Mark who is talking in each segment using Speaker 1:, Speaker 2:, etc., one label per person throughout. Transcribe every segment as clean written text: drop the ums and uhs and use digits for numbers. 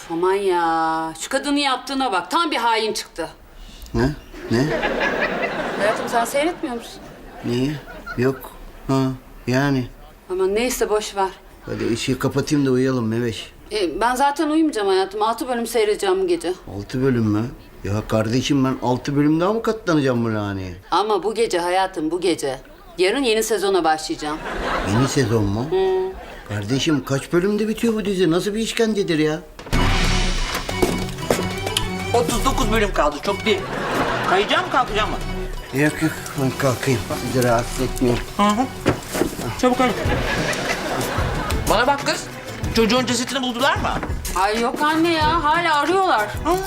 Speaker 1: Aman ya, şu kadının yaptığına bak. Tam bir hain çıktı.
Speaker 2: Ne? Ne?
Speaker 1: Hayatım sen seyretmiyor musun?
Speaker 2: Niye? Yok. Ha, yani.
Speaker 1: Aman neyse boş ver.
Speaker 2: Hadi ışığı kapatayım da uyuyalım Meveş.
Speaker 1: Ben zaten uyumayacağım hayatım. 6 bölüm seyredeceğim bu gece.
Speaker 2: 6 bölüm mü? Ya kardeşim ben 6 bölüm daha mı katlanacağım bu laneye?
Speaker 1: Ama bu gece hayatım, bu gece. Yarın yeni sezona başlayacağım.
Speaker 2: Yeni sezon mu? Kardeşim kaç bölümde bitiyor bu dizi? Nasıl bir işkencedir ya?
Speaker 3: 39 bölüm kaldı, çok değil. Kayacağım mı, kalkacağım mı?
Speaker 2: Yok yok ben kalkayım. Sizi rahatsız etmeyeyim.
Speaker 3: Hı hı. Çabuk hadi. Bana bak kız. Çocuğun cesetini buldular mı?
Speaker 1: Ay yok anne ya, hala arıyorlar.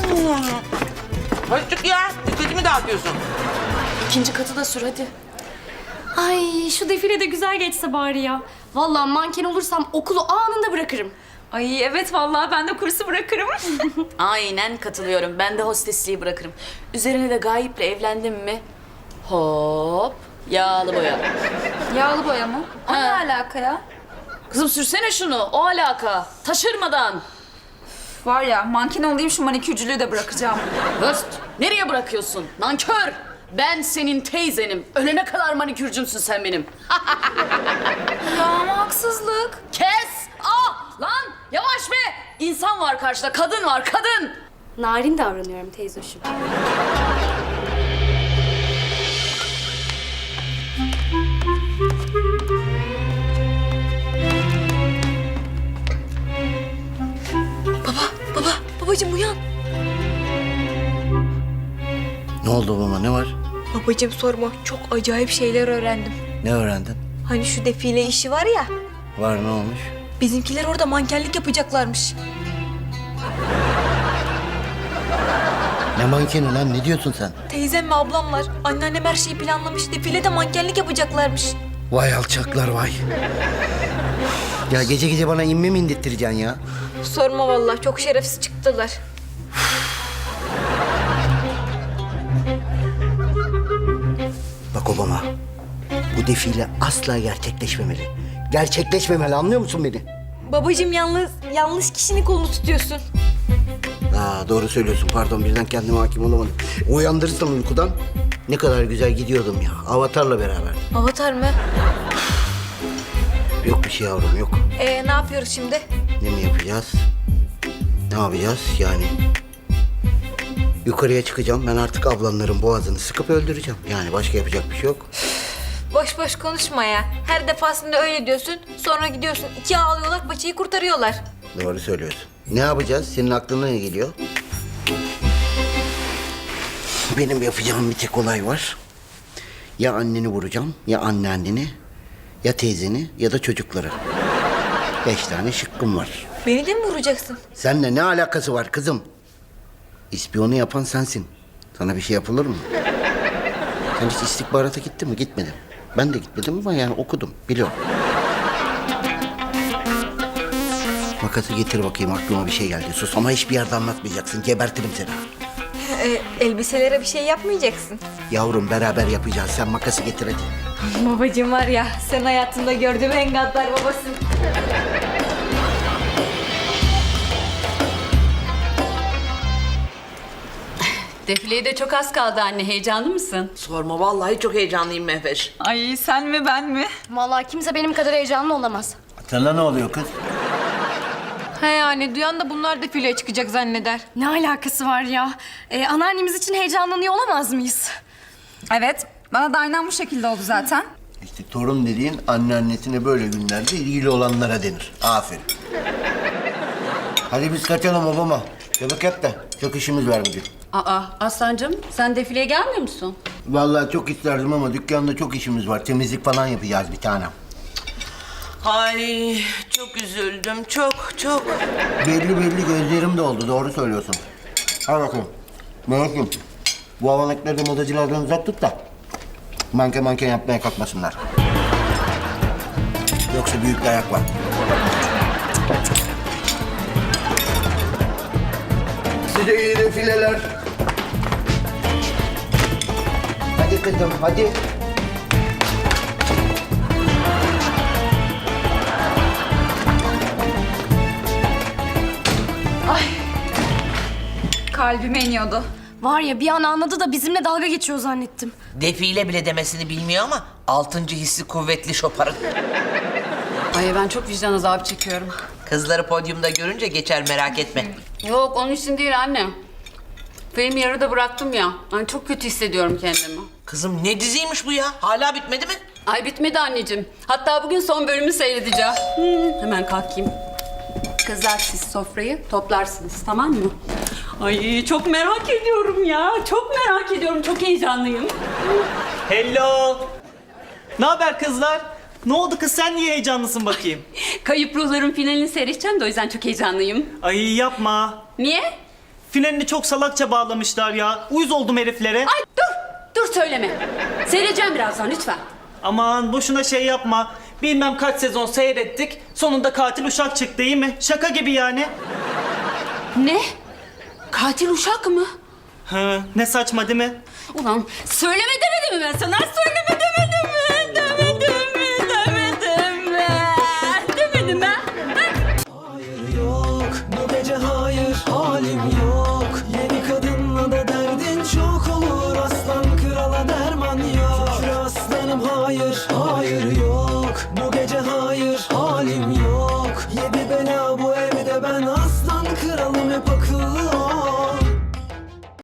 Speaker 3: Hadi çık ya. Dikkatimi dağıtıyorsun.
Speaker 4: İkinci katı da sür hadi.
Speaker 5: Ay şu defile de güzel geçse bari ya. Vallahi manken olursam okulu anında bırakırım.
Speaker 4: Ay evet vallahi ben de kursu bırakırım.
Speaker 6: Aynen katılıyorum. Ben de hostesliği bırakırım. Üzerine de Gayip'le evlendim mi? Hop, yağlı boya.
Speaker 4: Yağlı boya mı? O ne
Speaker 6: Ha.
Speaker 4: alaka ya?
Speaker 6: Kızım sürsene şunu, o alaka. Taşırmadan.
Speaker 4: Var ya manken olayım şu manikürcülüğü de bırakacağım.
Speaker 6: Höst, nereye bırakıyorsun? Nankör! Ben senin teyzenim. Ölene kadar manikürcümsün sen benim.
Speaker 4: Ya ama haksızlık.
Speaker 6: Kes! Ah! Lan! Yavaş be! İnsan var karşıda, kadın var, kadın!
Speaker 5: Narin davranıyorum teyzoşum.
Speaker 7: Babacığım uyan.
Speaker 2: Ne oldu baba ne var?
Speaker 7: Babacığım sorma. Çok acayip şeyler öğrendim.
Speaker 2: Ne öğrendin?
Speaker 7: Hani şu defile işi var ya.
Speaker 2: Var ne olmuş?
Speaker 7: Bizimkiler orada mankenlik yapacaklarmış.
Speaker 2: Ne mankeni lan ne diyorsun sen?
Speaker 7: Teyzem ve ablamlar. Anneannem her şeyi planlamış. Defilede mankenlik yapacaklarmış.
Speaker 2: Vay alçaklar vay. Ya gece gece bana inme mi indirttireceksin ya?
Speaker 7: Sorma vallahi. Çok şerefsiz çıktılar.
Speaker 2: Bak Obama, bu defile asla gerçekleşmemeli. Gerçekleşmemeli anlıyor musun beni?
Speaker 7: Babacığım yalnız yanlış kişinin kolunu tutuyorsun.
Speaker 2: Doğru söylüyorsun pardon birden kendime hakim olamadım. Uyandırırsan uykudan ne kadar güzel gidiyordum ya. Avatar'la beraber.
Speaker 7: Avatar mı?
Speaker 2: Yok bir şey yavrum yok.
Speaker 7: Ne yapıyoruz şimdi?
Speaker 2: Ne mi yapacağız? Ne yapacağız yani? Yukarıya çıkacağım. Ben artık ablanların boğazını sıkıp öldüreceğim. Yani başka yapacak bir şey yok.
Speaker 7: Boş boş konuşma ya. Her defasında öyle diyorsun. Sonra gidiyorsun. İki ağlıyorlar, paçayı kurtarıyorlar.
Speaker 2: Doğru söylüyorsun. Ne yapacağız? Senin aklına ne geliyor? Benim yapacağım bir tek olay var. Ya anneni vuracağım, ya anneanneni, ya teyzeni, ya da çocukları. 5 tane şıkkım var.
Speaker 7: Beni de mi vuracaksın?
Speaker 2: Seninle ne alakası var kızım? İspiyonu yapan sensin. Sana bir şey yapılır mı? Sen hiç istihbarata gittin mi? Gitmedim. Ben de gitmedim ama yani okudum, biliyorum. Makası getir bakayım aklıma bir şey geldi. Sus ama hiçbir yerde anlatmayacaksın. Gebertirim seni.
Speaker 7: Elbiselere bir şey yapmayacaksın.
Speaker 2: Yavrum beraber yapacağız. Sen makası getir hadi.
Speaker 7: Babacığım var ya, sen hayatımda gördüğüm en gaddar babasın.
Speaker 1: Defileye de çok az kaldı anne. Heyecanlı mısın?
Speaker 3: Sorma, vallahi çok heyecanlıyım Mehveş.
Speaker 4: Ay sen mi ben mi?
Speaker 5: Vallahi kimse benim kadar heyecanlı olamaz.
Speaker 2: Sana ne oluyor kız?
Speaker 7: He yani duyan da bunlar defileye çıkacak zanneder.
Speaker 5: Ne alakası var ya? Anneannemiz için heyecanlanıyor olamaz mıyız?
Speaker 4: Evet bana da aynen bu şekilde oldu zaten.
Speaker 2: İşte torun dediğin anneannesine böyle günlerde ilgili olanlara denir. Aferin. Hadi biz kaçalım babama. Çabuk yap da çok işimiz var bugün.
Speaker 1: Aa Aslancığım, sen defileye gelmiyor musun?
Speaker 2: Vallahi çok isterdim ama dükkanda çok işimiz var. Temizlik falan yapacağız bir tanem.
Speaker 3: Ay çok üzüldüm, çok.
Speaker 2: Belli gözlerim de oldu. Doğru söylüyorsun. Hadi bakalım. Melek'im bu havanlıkları da modacılardan uzak tut da manken yapmaya kalkmasınlar. Yoksa büyük bir ayak var. Size iyi defileler. Hadi kızım hadi.
Speaker 6: Ay
Speaker 4: Kalbime iniyordu.
Speaker 5: Var ya bir an anladı da bizimle dalga geçiyor zannettim.
Speaker 3: Defile bile demesini bilmiyor ama 6. hissi kuvvetli şoparın.
Speaker 1: Ay ben çok vicdan azabı çekiyorum.
Speaker 3: Kızları podyumda görünce geçer, merak etme.
Speaker 1: Yok onun için değil anne. Film yarıda bıraktım ya. Ay çok kötü hissediyorum kendimi.
Speaker 3: Kızım ne diziymiş bu ya? Hala bitmedi mi?
Speaker 1: Ay bitmedi anneciğim. Hatta bugün son bölümü seyredeceğim. Hemen kalkayım. Kızlar siz sofrayı toplarsınız tamam mı? Ay çok merak ediyorum ya. Çok merak ediyorum. Çok heyecanlıyım.
Speaker 8: Hello. Ne haber kızlar? Ne oldu kız, sen niye heyecanlısın bakayım?
Speaker 1: Kayıp Ruhların finalini seyredeceğim de o yüzden çok heyecanlıyım.
Speaker 8: Ay yapma.
Speaker 1: Niye?
Speaker 8: Finalini çok salakça bağlamışlar ya. Uyuz oldum heriflere.
Speaker 1: Ay dur. Dur söyleme. Seyredeceğim birazdan lütfen.
Speaker 8: Aman boşuna şey yapma. Bilmem kaç sezon seyrettik. Sonunda katil uşak çıktı, değil mi? Şaka gibi yani.
Speaker 1: Ne? Katil uşak mı?
Speaker 8: Hı, ne saçma değil mi?
Speaker 1: Ulan söyleme demedim mi ben sana? Söyleme demedim mi? Demedim mi? Demedim mi? Demedim mi?
Speaker 9: Hayır yok bu gece, hayır halim